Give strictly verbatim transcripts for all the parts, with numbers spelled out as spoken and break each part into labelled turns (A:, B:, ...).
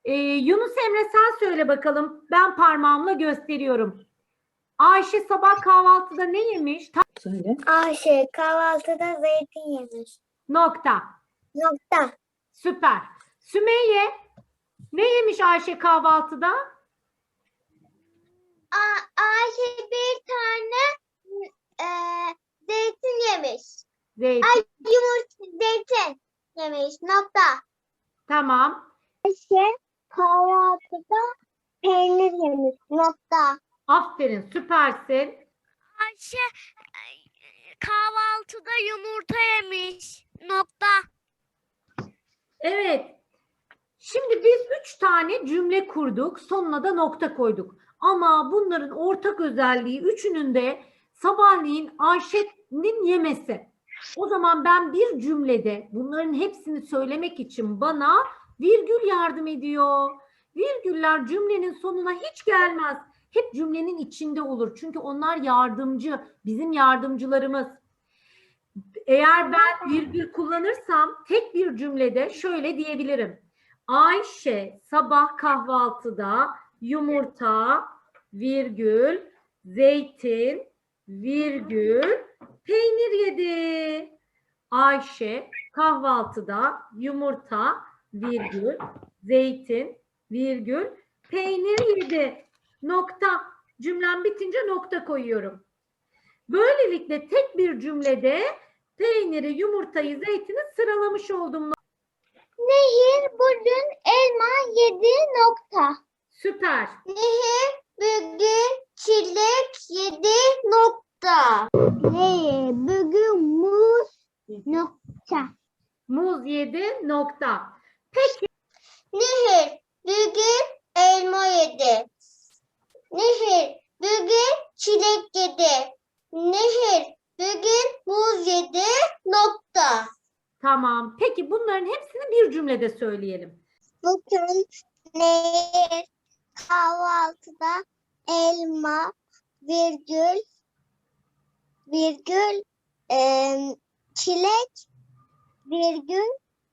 A: Ee, Yunus Emre sen söyle bakalım. Ben parmağımla gösteriyorum. Ayşe sabah kahvaltıda ne yemiş? Ta-
B: Söyle.
C: Ayşe kahvaltıda zeytin yemiş.
A: Nokta.
C: Nokta.
A: Süper. Sümeyye ne yemiş Ayşe kahvaltıda?
C: A- Ayşe bir tane e, zeytin yemiş.
A: Zeytin.
C: Ay yumurta zeytin yemiş. Nokta.
A: Tamam.
C: Ayşe kahvaltıda peynir yemiş. Nokta.
A: Aferin. Süpersin.
D: Ayşe kahvaltıda yumurta yemiş. Nokta.
A: Evet. Şimdi biz üç tane cümle kurduk. Sonuna da nokta koyduk. Ama bunların ortak özelliği üçünün de sabahleyin Ayşe'nin yemesi. O zaman ben bir cümlede bunların hepsini söylemek için bana virgül yardım ediyor. Virgüller cümlenin sonuna hiç gelmez. Hep cümlenin içinde olur. Çünkü onlar yardımcı, bizim yardımcılarımız. Eğer ben virgül kullanırsam tek bir cümlede şöyle diyebilirim. Ayşe sabah kahvaltıda yumurta, virgül, zeytin, virgül, peynir yedi. Ayşe kahvaltıda yumurta, virgül, zeytin, virgül, peynir yedi. Nokta. Cümlem bitince nokta koyuyorum. Böylelikle tek bir cümlede peyniri, yumurtayı, zeytini sıralamış oldum.
C: Nehir bugün elma yedi. Nokta.
A: Süper.
C: Nehir bugün çilek yedi. Nokta. Nehir bugün muz. Nokta.
A: Muz yedi nokta. Peki.
C: Nehir bugün elma yedi. Nehir bugün çilek yedi. Nehir bugün muz yedi. Nokta.
A: Tamam. Peki bunların hepsini bir cümlede söyleyelim.
C: Bugün Nehir kahvaltıda elma virgül virgül em, çilek virgül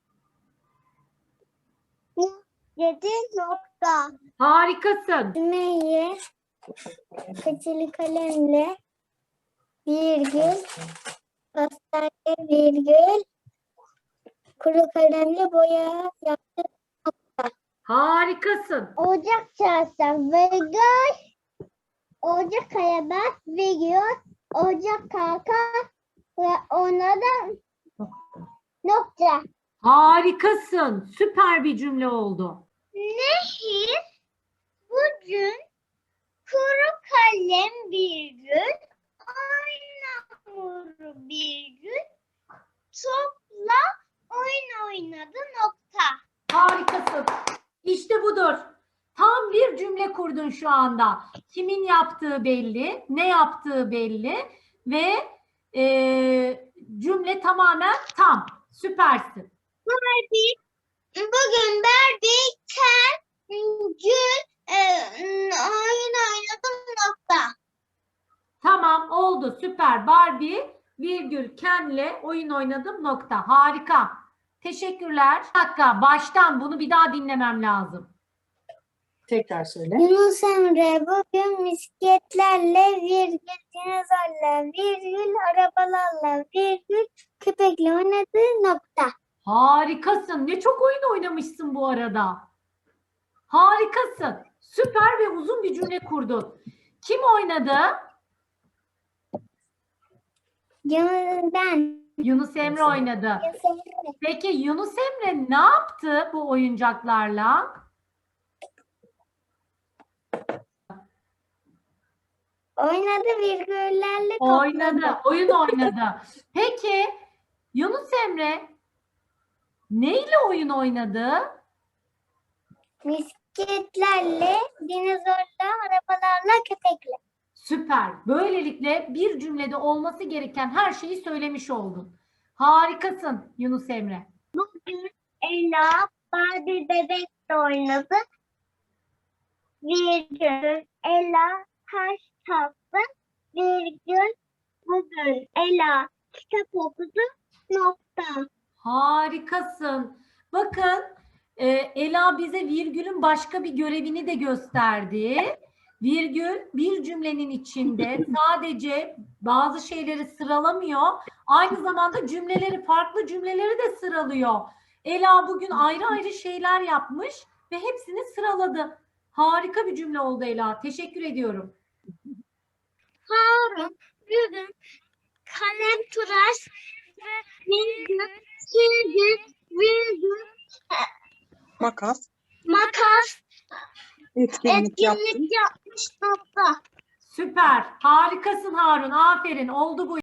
C: yedi nokta.
A: Harikasın.
C: Nehir keçeli kalemle virgül pastane virgül kuru kalemle boya yaptı.
A: Harikasın.
C: Ocak çarşaf virgül Ocak kayabas virgül Ocak kalka ve ona da nokta.
A: Harikasın. Süper bir cümle oldu.
C: Nehir bugün kuru kalem virgül oyun hamuru virgül topla oyun oynadı nokta.
A: Harikasın. İşte budur. Tam bir cümle kurdun şu anda. Kimin yaptığı belli, ne yaptığı belli ve e, cümle tamamen tam. Süpersin.
C: Barbie, bugün Barbie, Ken, Gül, e, oyun oynadım nokta.
A: Tamam oldu. Süper. Barbie virgül Ken'le oyun oynadım nokta. Harika. Teşekkürler. Bir dakika baştan bunu bir daha dinlemem lazım.
B: Tekrar söyle.
C: Yunus Emre bugün misketlerle virgül dinozorla virgül arabalarla virgül köpekle oynadı nokta.
A: Harikasın. Ne çok oyun oynamışsın bu arada. Harikasın. Süper ve uzun bir cümle kurdun. Kim oynadı?
C: Yunus ben.
A: Yunus Emre oynadı.
C: Yunus Emre.
A: Peki Yunus Emre ne yaptı bu oyuncaklarla?
C: Oynadı virgüllerle topladı.
A: Oynadı. Oyun oynadı. Peki Yunus Emre neyle oyun oynadı?
C: Misketlerle, dinozorla, arabalarla, köpekle.
A: Süper. Böylelikle bir cümlede olması gereken her şeyi söylemiş oldun. Harikasın Yunus Emre.
C: Bugün Ela Barbie bebekle oynadı. Virgül Ela taş taktı. Virgül bugün Ela kitap okudu. Nokta.
A: Harikasın. Bakın Ee, Ela bize virgülün başka bir görevini de gösterdi. Virgül bir cümlenin içinde sadece bazı şeyleri sıralamıyor. Aynı zamanda cümleleri, farklı cümleleri de sıralıyor. Ela bugün ayrı ayrı şeyler yapmış ve hepsini sıraladı. Harika bir cümle oldu Ela. Teşekkür ediyorum.
D: Harun bugün kalem, tıraş ve virgül, silgi, virgül,
E: Makas.
D: makas,
E: Etkinlik yaptım.
D: etkinlik yapmış nokta.
A: Süper. Harikasın Harun. Aferin. Oldu bu.